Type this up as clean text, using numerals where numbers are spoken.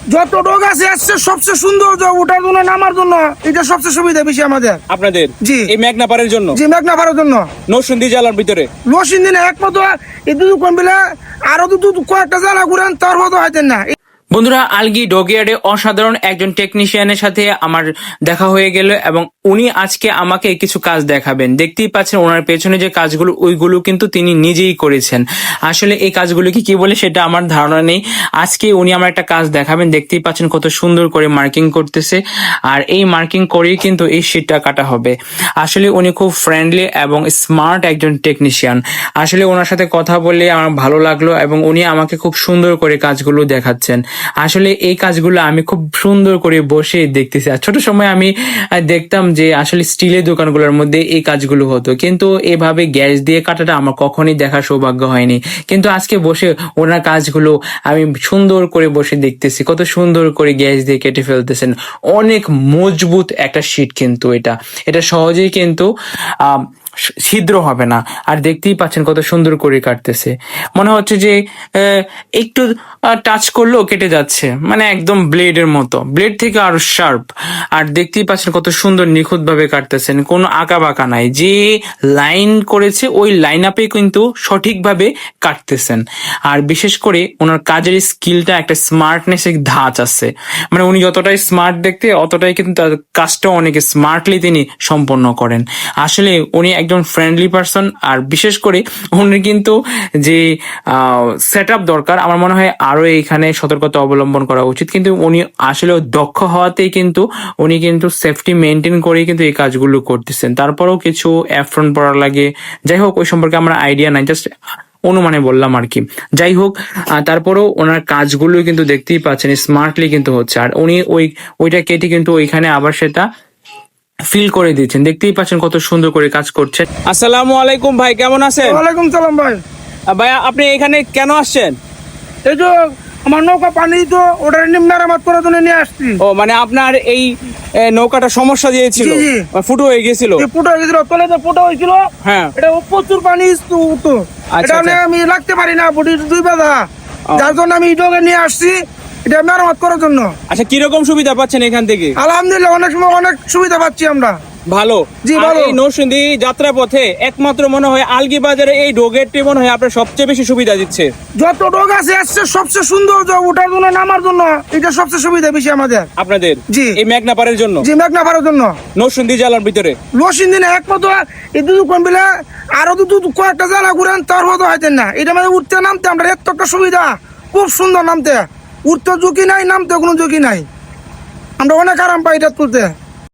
যত ডোগ আছে আসছে সবচেয়ে সুন্দর ওঠার জন্য নামার জন্য এটা সবচেয়ে সুবিধা বেশি আমাদের আপনাদের জি এই মেঘনা পাড়ের জন্য জি মেঘনা পাড়ার জন্য নরসিংদী জেলার ভিতরে লসিন দিনে একমাত্র এই দুধ কম বিলে আরো দুধ কয়েকটা জ্বালা ঘুরেন তার মতো হয়তেন না। বন্ধুরা, আলগি ডগইয়ার্ডে অসাধারণ একজন টেকনিশিয়ানের সাথে আমার দেখা হয়ে গেল এবং উনি আজকে আমাকে কিছু কাজ দেখাবেন। দেখতেই পাচ্ছেন ওনার পেছনে যে কাজগুলো ওইগুলো কিন্তু তিনি নিজেই করেছেন। আসলে এই কাজগুলো কি বলে সেটা আমার ধারণা নেই। আজকে উনি আমার একটা কাজ দেখাবেন। দেখতেই পাচ্ছেন কত সুন্দর করে মার্কিং করতেছে, আর এই মার্কিং করেই কিন্তু এই শীটটা কাটা হবে। আসলে উনি খুব ফ্রেন্ডলি এবং স্মার্ট একজন টেকনিশিয়ান। আসলে ওনার সাথে কথা বললে আমার ভালো লাগলো এবং উনি আমাকে খুব সুন্দর করে কাজগুলো দেখাচ্ছেন। আসলে এই কাজগুলো আমি খুব সুন্দর করে বসে দেখতেছি। আর ছোট সময় আমি দেখতাম যে আসলে স্টিলের দোকানগুলোর মধ্যে এই কাজগুলো হতো, কিন্তু এভাবে গ্যাস দিয়ে কাটাটা আমার কখনোই দেখার সৌভাগ্য হয়নি। কিন্তু আজকে বসে ওনার কাজগুলো আমি সুন্দর করে বসে দেখতেছি, কত সুন্দর করে গ্যাস দিয়ে কেটে ফেলতেছেন। অনেক মজবুত একটা শীট, কিন্তু এটা সহজেই কিন্তু ছিদ্র হবে না। আর দেখতেই পাচ্ছেন কত সুন্দর করে কাটতেছে, মনে হচ্ছে যে একটু টাচ করলেও কেটে যাচ্ছে, মানে একদম ব্লেডের মতো, ব্লেড থেকে আরো শার্প। আর দেখতেই পাচ্ছেন কত সুন্দর নিখুঁত ভাবে কাটতেছেন, কোনো আঁকা বাঁকা নাই। যে লাইন করেছে ওই লাইন আপে কিন্তু সঠিকভাবে কাটতেছেন। আর বিশেষ করে ওনার কাজের স্কিলটা একটা স্মার্টনেস ধাঁচ আছে, মানে উনি যতটাই স্মার্ট দেখতে অতটাই কিন্তু তার কাজটা অনেক স্মার্টলি তিনি সম্পন্ন করেন। আসলে উনি একজন ফ্রেন্ডলি পারসন। আর বিশেষ করে উনি কিন্তু যে সেট আপ দরকার, আমার মনে হয় আরো এইখানে সতর্কতা অবলম্বন করা উচিত। কিন্তু উনি আসলে দক্ষ হওয়াতেই কিন্তু উনি কিন্তু সেফটি মেনটেন করেই কিন্তু এই কাজগুলো করতেছেন। তারপরেও কিছু অ্যাফ্রন পড়া লাগে, যাই হোক ওই সম্পর্কে আমার আইডিয়া নাই, জাস্ট অনুমানে বললাম আর কি। যাই হোক, তারপরেও ওনার কাজগুলো কিন্তু দেখতেই পাচ্ছেন স্মার্টলি কিন্তু হচ্ছে। আর উনি ওইটা কেটে কিন্তু ওইখানে আবার সেটা ফিল করে দিচ্ছেন। দেখতেই পাচ্ছেন কত সুন্দর করে কাজ করছেন। আসসালামু আলাইকুম ভাই, কেমন আছেন? ওয়ালাইকুম সালাম ভাই। ভাইয়া আপনি এখানে কেন আসছেন? এই তো আমার নৌকা পানি তো ওটা মেরামত করার জন্য নিয়ে আসছি। ও মানে আপনার এই নৌকাটা সমস্যা দিয়েছিল, জি, জি। ফুটো হয়ে গেছিল। ফুটো হয়ে গেছিল, তলে তো ফুটো হয়েছিল। হ্যাঁ, এটা প্রচুর পানি উঠতো, আচ্ছা, এটা আচ্ছা। আমি লাগতে পারি না, বডির দুই বাধা, যার জন্য আমি ডগে নিয়ে আসছি এটা মেরামত করার জন্য। আচ্ছা, কিরকম সুবিধা পাচ্ছেন এখান থেকে? আলহামদুলিল্লাহ অনেক সময় অনেক সুবিধা পাচ্ছি আমরা। ভালো। জি, আর ভালো। এই নরসিংদী যাত্রা পথে একমাত্র মনে হয় আলগি বাজারে এই ডোগেরটি মনে হয় আপনার সবচেয়ে বেশি সুবিধা দিচ্ছে। যত ডোগ আছে আসছে সবচেয়ে সুন্দর ওঠার জন্য নামার জন্য এটা সবচেয়ে সুবিধা বেশি আমাদের আপনাদের জি এই মেঘনা পাড়ের জন্য জি মেঘনা পাড়ার জন্য নরসিংদী জেলার ভিতরে লসিন দিনে একমাত্র এই দুধ কম বিলে আরো দুধ কয়েকটা জ্বালা ঘুরেন তার মতো হয়তেন না। এটা মানে উঠতে নামতে আমরা এত একটা সুবিধা, খুব সুন্দর নামতে, উঠতে ঝুঁকি নাই, নামতে কোনো ঝুঁকি নাই, আমরা অনেক আরাম পাই এটা তুলতে।